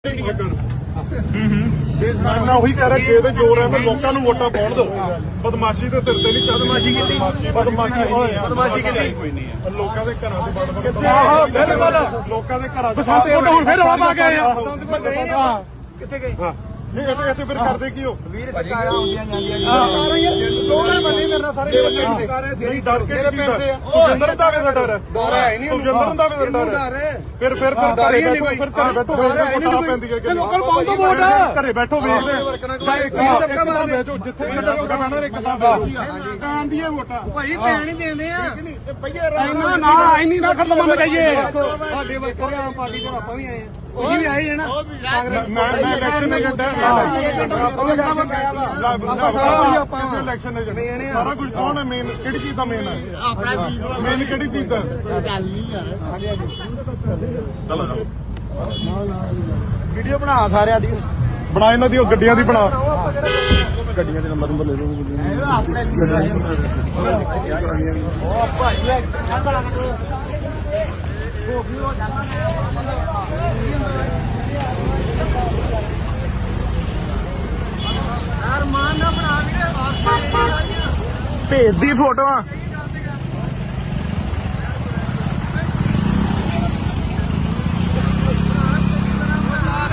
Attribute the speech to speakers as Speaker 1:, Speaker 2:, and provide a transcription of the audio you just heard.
Speaker 1: ਮੈਂ ਉਹੀ ਕਹਿ ਰਿਹਾ ਜੇ ਤੇ ਜ਼ੋਰ ਹੈ ਮੈਂ ਲੋਕਾਂ ਨੂੰ ਵੋਟਾਂ ਪਾਉਣ ਦੋ। ਬਦਮਾਸ਼ੀ ਦੇ ਸਿਰ ਤੇ ਨਹੀਂ ਬਦਮਾਸ਼ੀ ਕੀਤੀ ਬਦਮਾਸ਼ੀ ਕੀਤੀ ਕੋਈ ਨਹੀਂ ਲੋਕਾਂ ਦੇ ਘਰਾਂ ਦੇ ਲੋਕਾਂ ਦੇ ਘਰਾਂ ਚ ਹੁਣ ਫਿਰ ਆਪ ਆ ਗਏ ਆ ਕਿੱਥੇ ਗਏ ਨਹੀਂ ਇੱਥੇ ਫਿਰ ਕਰਦੇ ਕੀ ਹੋ ਵੀਰ ਸਰਕਾਰਾਂ ਆਉਂਦੀਆਂ ਜਾਂਦੀਆਂ ਦੋਵੇਂ ਬੰਦੇ ਮੇਰੇ ਨਾਲ ਸਾਰੇ ਨਹੀਂ ਡਰ ਕੇ ਸੁਖਿੰਦਰ ਦਾ ਵੀ ਡਰ ਹੈ ਸੁਖਿੰਦਰ ਦਾ ਵੀ ਡਰ ਹੈ ਫਿਰ ਘਰੇ ਬੈਠੋ ਪੈਂਦੀ ਹੈ ਲੋਕਲ ਪਾਉਂ ਤੋਂ ਵੋਟ ਘਰੇ ਬੈਠੋ ਵੇਖਦੇ ਜਿੱਥੇ ਇੱਕ ਤਾਂ ਪੈਣ ਦੀਆਂ ਵੋਟਾਂ ਭਾਈ ਪੈਣ ਹੀ ਦੇਂਦੇ ਆ ਨਾ ਇੰਨੀ ਨਾ ਖਤਮ ਮੰਨ ਜਾਈਏ ਸਾਡੇ ਵਰਕਰ ਆਮ ਪਾਰਟੀ ਤੋਂ ਆਪਾਂ ਵੀ ਆਏ ਆ ਉਹ ਵੀ ਆਏ ਨਾ ਮੈਂ ਇਲੈਕਸ਼ਨ ਏਜੰਟ ਸਾਰਾ ਕੁਝ ਕੌਣ ਹੈ ਮੇਨ ਕਿਹੜੀ ਚੀਜ਼ ਦਾ ਮੇਨ ਹੈ ਮੇਨ ਕਿਹੜੀ ਚੀਜ਼ ਦਾ ਵੀਡੀਓ ਬਣਾ ਸਾਰਿਆਂ ਦੀ ਬਣਾ ਇਹਨਾਂ ਦੀ ਗੱਡੀਆਂ ਦੀ ਬਣਾ ਗੱਡੀਆਂ ਦੇ ਨੰਬਰ ਲੈ ਲਓ ਭੇਜਦੀ ਫੋਟੋਆਂ